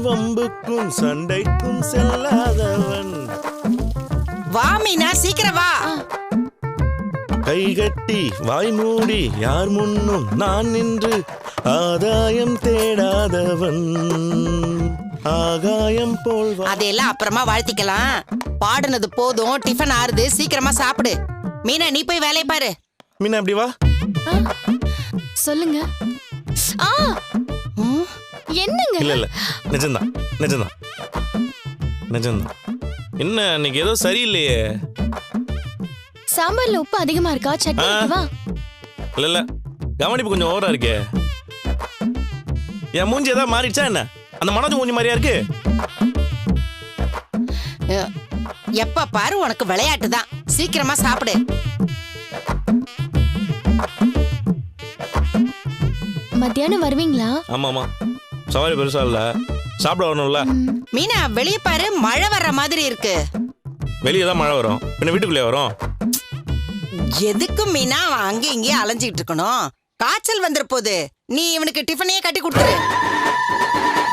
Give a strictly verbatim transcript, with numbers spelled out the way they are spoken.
வம்புக்கும் சண்டைக்கும் செல்லாதவன். வா மீனா, சீக்கிரம் வா. கைகட்டி வாய் மூடி யார் முன்னும் நான் நின்று ஆதாயம் தேடாதவன். ஆகாயம் போல் அதையெல்லாம் அப்புறமா வாழ்த்திக்கலாம். பாடுனது போதும், டிஃபன் ஆறுது, சீக்கிரமா சாப்பிடு. மீனா, நீ போய் வேலையை பாரு. மீனா அப்படி வா. சொல்லுங்க. ஆ என்னங்க? இல்ல இல்ல நிஜம்தான் நிஜம்தான் நிஜம்தான். என்ன இன்னைக்கு ஏதோ சரியில்லையே. சாம்பார்ல உப்பு அதிகமா இருக்கா? சட்னி வைக்கவா? இல்ல இல்ல கவனிப்பு கொஞ்சம் ஓவரா இருக்கே. என் மூஞ்சி ஏதாவது மாறிடுச்சா என்ன? அந்த மனோஜ் மூஞ்சி மாதிரியா இருக்கு. எப்ப பாரு உனக்கு விளையாட்டு தான். சீக்கிரமா சாப்பிடு. மத்தியானம் வருவீங்களா? ஆமா ஆமா, சவாரி பெருசா இல்ல, சாப்பிட வரணும்ல. மீனா, வெளிய பாரு, மழை வர்ற மாதிரி இருக்கு. வெளியே தான் மழை வரும், பின்ன வீட்டுக்குள்ளே வரும். எதுக்கு மீனா அங்கே இங்கேயே அலைஞ்சிட்டு இருக்கணும்? காய்ச்சல் வந்துற போது நீ இவனுக்கு டிஃபனையே கட்டி கொடுத்துரு.